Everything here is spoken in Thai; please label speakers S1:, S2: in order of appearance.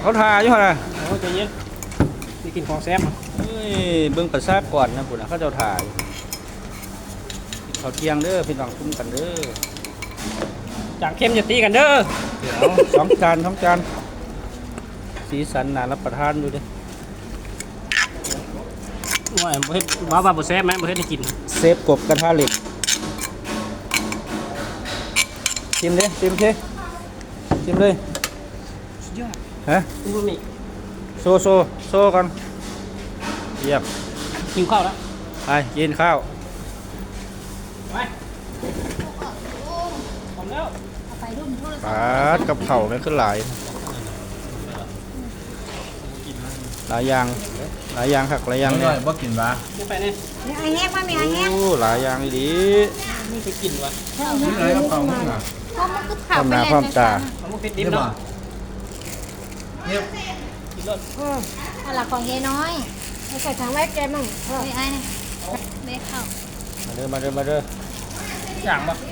S1: เขาทาอยู่หั่นน่ะ
S2: โอ้ใจเย็นไปกินของแซ่บ
S1: เฮ้ยเบิ่งประสาทก่อนนะพุ่นน่ะเขาเจ้าทาอยู่เขาวเที่ยงเด้อพี่น้องคุ้มกันเด้อ
S2: จางเข้มอย่าตีกันเด้อ
S1: เดี๋ยว2 จาน2 จานสีสันน่ารับประทานอยู่เด้อ
S2: ว่าบ่เฮ็ดว่าบ่แซ่บไหมบ่เฮ็ดให้กิน
S1: เซฟกบกระทะเหล็กชิมดิชิมเลย
S2: สุดยอด
S1: ฮะ
S2: อูมามิ
S1: โซกันเยี่ยม
S2: หิวข้าวแล้ว
S1: ไปกินข้าว
S2: ไปพร้อมแล้ว
S3: เอาไปรุ่นโทรศัพท์
S1: ปาดกับเข่าวนี่ขึ้นหลายอย่างครับหลายอย่าง
S4: ห
S1: เนี่
S4: น่
S1: ย
S4: อยบ่กินวะ
S2: ไม่ไปเนี่ย
S3: มีไอ้แห้งมามีไอ้แห้ง
S1: โอ้หลายอย่างดี
S2: ไม่ไปกินวะ
S4: นี่อะไรกับเขามึงอ่ะ
S3: เพราะมันคือ
S1: พร้
S3: ข่า
S1: อ
S3: ว
S1: ม
S3: ไป
S1: หน้า
S3: แล้ว
S1: พร้อมตา
S2: มันบ่เผ็ดดิ
S4: นี่
S2: บ
S4: บ่
S2: เนาะ
S4: เนี่ย
S2: กินรส
S3: อะไรของยายน้อยไปใส่ถังไว้แกมั่งไอ้เนี่ยเบคเข้า
S1: มาเด้อ
S2: อย่างบ่
S3: เ